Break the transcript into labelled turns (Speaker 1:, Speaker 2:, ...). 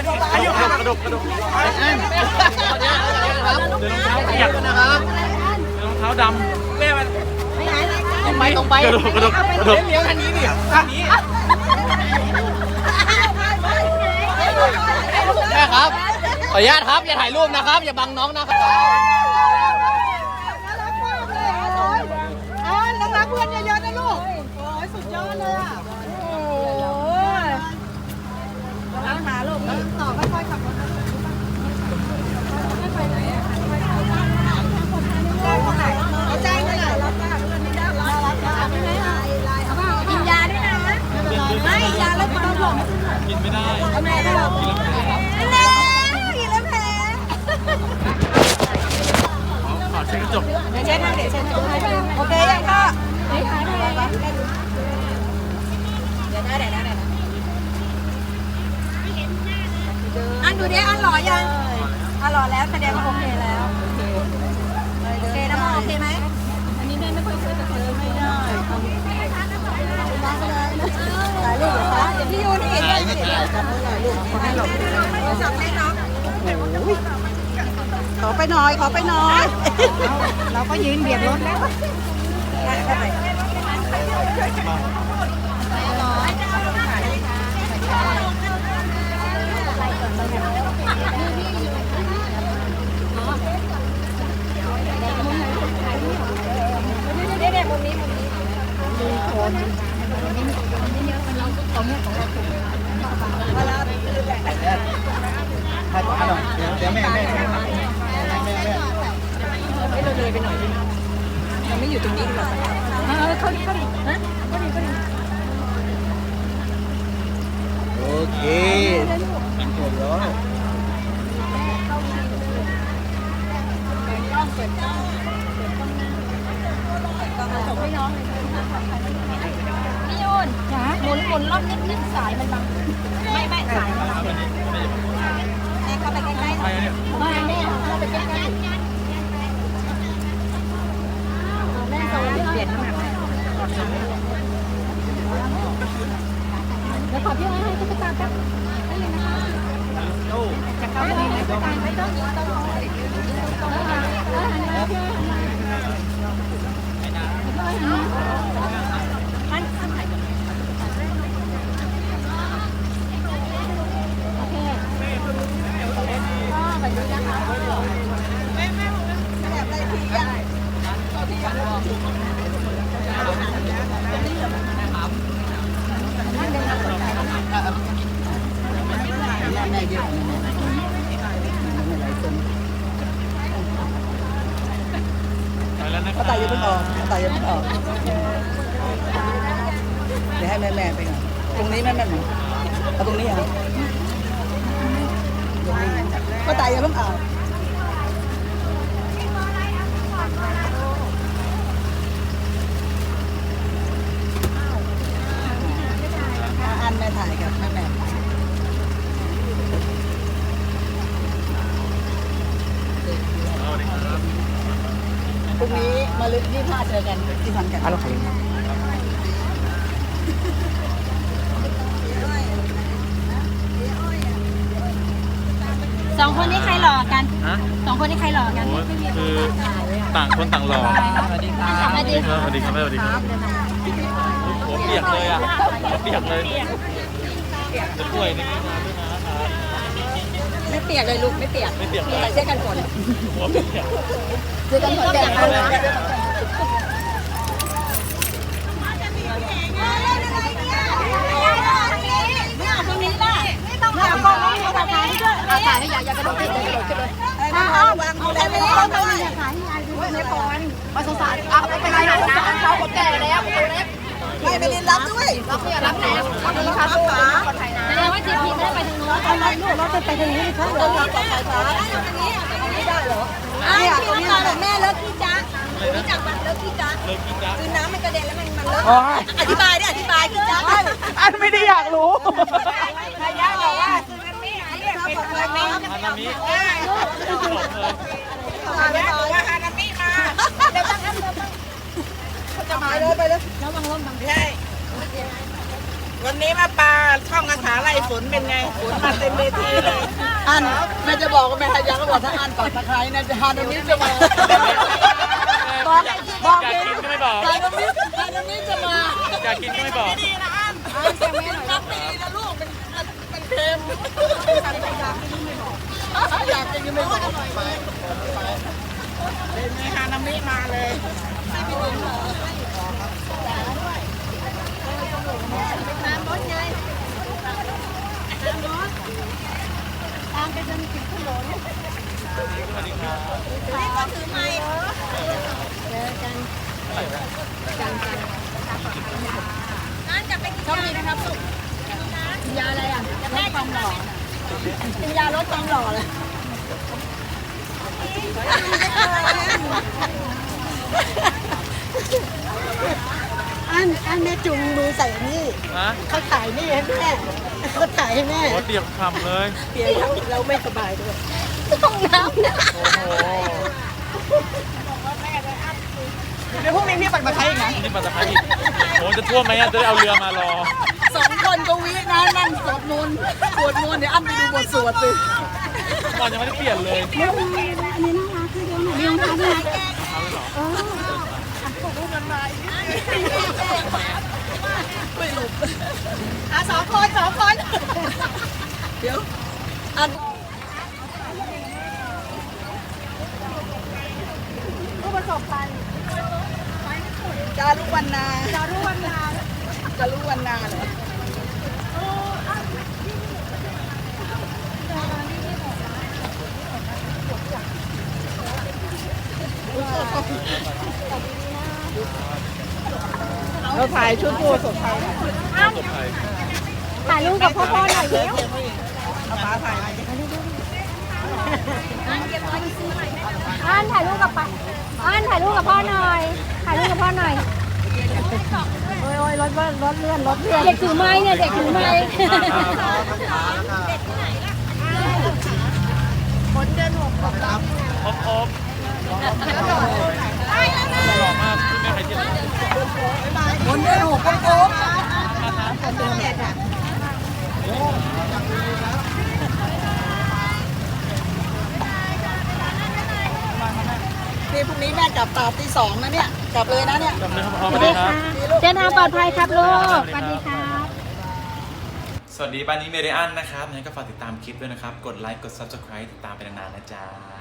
Speaker 1: กระดกเดี๋ยวรองเท้าเปียกนะครับรองเท้าดำแม่มันตรงไปกระดกเลี้ยวทางนี้ดิทางนี้แม่ครับขออนุญาตครับอย่าถ่ายรูปนะครับอย่าบังน้องนะครับ
Speaker 2: รักเพื่อนเยอะๆนะลูกโอ้ยสุดยอดเลยอ่ะโอ้ยรักหาลูกต่อค่อยๆขับรถค่อยๆไหนอ่ะเอาใจเท่าไหร่รับป้าเพื่อนไม่ได้รับไม่ได้กินยาด้วยนะไม่ยาแล้วความหลง
Speaker 1: กินไม่ได้
Speaker 2: ทำไมได้หรอกินแล้วแพ้
Speaker 1: ขอเช็ดกระจก
Speaker 2: เดี๋ยวเช็ดให้โอเคยังก็เดี๋ยวอันดูดิอันหล่อยังอันหล่อแล้วแสดงว่าโอเคแล้วโอเคนะโอเคไหมอันนี้แม่ไม่ค่อยช่วยแต่เธอไม่ได้ถ่ายรูปเหรอคะเดี๋ยวพี่ยูนี่ถ่ายรูปให้เราจับให้น้องขอไปหน่อยเราก็ยืนเบียดรถแล้ว
Speaker 1: ให้ป้าหน่อยเดี๋ยวแม่เราเลยไปหน่อยเราไม่อยู่ตรงนี้ดีกว่าเข้าดินะโอเคหมดแล้ว
Speaker 2: พี่ยูนหมุนรอบนิดสายมันบังไม่สายมันบังแม่เข้าไปใกล้ๆแม่เข้าไปใกล้ๆแม่โซนเปลี่ยนน้ำหนักแล้วขอพี่อ้อยให้ตุ๊กตาแป๊บได้เลยนะคะจะเข้าไปในตุ๊กตาไม่ต้องยิงต้อง
Speaker 3: ก็ตายยังเพิ่งออกเดี๋ยวให้แม่ไปก่อนตรงนี้แม่เอาตรงนี้เหรอก็ตายยังเพิ่งออกอันแม่ถ่ายกับแม่พรุ่งนี้มาลึก25เจอกันที่พันกัน
Speaker 2: สองคนนี้ใครหล่อกันสองคนนี้ใครหล่อกัน
Speaker 1: คือต่างคนต่างหล่อสวัสดีครับสวัสดีครับหัวเปียกเลยอ่ะหัวเปียกเลยจะป่วยในนี้มาด้วยนะครับ
Speaker 2: ไม่เปียกเลยลูกไม่เปียกใส่เสื้อกันฝน
Speaker 1: หัวเปียก
Speaker 2: เสื้อกันฝนแดดเลยตรงนี้ล่ะไม่ต้องเอากล้องนี้มาถ่ายให้ด้วยถ่ายให้ยายกระโดดขึ้นเลยวางดูแลไม่ต้องถ่ายให้ยายดูในปอนมาสงสารเอาไปเป็นไรนะเขาคนแก่แล้วคนเล็กไม่เรียนรับด้วยรับเนี่ยรับไหนรับนี่ค่ะตัวคนไทยนะแสดงว่าจีพีไม่ได้ไปทางโน้นเอาไรลูกเราจะไปทางนี้ค่ะเราต่อสายฟ้าได้ทางนี้ไม่ได้เหรอเนี่ยตรงนี้แม่เลิกขี้จ้ารู้จักมันเลิกขี้จ้าคือน้ำมันกระเด็นแล้วมันเลิกอธิบายขี้จ้า
Speaker 3: อันไม่ได้อยากรู้
Speaker 2: พยาบอกว่าคือมันไม่เรียกเป็นเงินนี้
Speaker 1: ฮานามิ
Speaker 2: พยาบอกว่าฮานามิมาเดี๋ยวตั้งจะมาเลยไปเลยระวังล้มบังใช่
Speaker 4: วันนี้มาปลาช่องอาสาไล่ฝนเป็นไงฝนมาเต็มเวทีเลย
Speaker 3: อันแม่จะบอกว่าแม่หายาก็บอกถ้าอันปักตะไคร้เนี่ยจะฮานามิจะมา
Speaker 2: บอกบอก
Speaker 1: อยากกินก็ไม่บอก
Speaker 3: ฮานามิจะมา
Speaker 1: อยากกินก็ไม่บอก
Speaker 3: นับปีนะลูกมันเค็มอยากกินก็ไม่บอก
Speaker 4: เป็นไงฮานามิมาเลย
Speaker 2: ตามไปจนถึงถนน
Speaker 1: สวัสดีครับ
Speaker 2: นี่ก็ถือไม้เจอกันนั่นจะไปกินยาอะไรนะครับลูกกินยาอะไรอ่ะลดความหล่อกินยาลดความหล่อเลยอันแม่จุงมือใส่นี่
Speaker 1: ฮะ
Speaker 2: เขาถ่ายนี่ให้แม่เขาถ่ายให้แม่
Speaker 1: โอ้เตรียมคำเลย
Speaker 2: เปียกแล้วไม่สบายด้วยต้องน้ำนะ
Speaker 1: โอ้โห
Speaker 3: เดี๋ยวพรุ่งนี้พี่ปักตะไคร้อีกนะ
Speaker 1: นี่ปัตตานีอีกโอ้จะท่วมไหมอะจะได้เอาเรือมารอ
Speaker 3: 2 คนก็วินะนั่งสวดมนต์เดี๋ยวอันไปดูบทสวดสิ
Speaker 1: ก่อนยังไม่ได้เปลี่ยนเลย
Speaker 2: อันนี้น่ารักคือเดียวหนูเลี้ยงเขาด้วยสองคน
Speaker 3: เดี๋ยวอัน
Speaker 2: ผู้ประสบภัย
Speaker 3: จารุวรรณา
Speaker 2: จารุวรรณา
Speaker 3: จารุวรรณาเหรอเราถ่ายชุดผู้ประสบภัย
Speaker 1: สดไทย
Speaker 2: ถ่ายรูปกับพ่อหน่อยเร็ว
Speaker 3: เอาป้าถ่ายมา
Speaker 2: อันถ่ายรูปกับป้าอันถ่ายรูปกับพ่อหน่อยถ่ายรูปกับพ่อหน่อยโอ้ยรถเลื่อนเด็กถือไม้เนี่ยเด็กถือไม้คนเดินหกกับเรา
Speaker 1: ครบหล่อมากไม่ใครที่ไหน
Speaker 3: คนเดินหกโค้งนี่พรุ่งนี้แม่กลับตาตี 2นะเนี่ย กลับเลยนะเนี่ย
Speaker 1: จำเลยครับพ่อสวัสดีครับ
Speaker 2: เดินทางปลอดภัยครับลูกสวัสดีครับ
Speaker 1: สวัสดีบ้านนี้เมเดียนนะครับงั้นก็ฝากติดตามคลิปด้วยนะครับ กดไลค์ กด Subscribe ติดตามไปนานๆนะจ๊ะ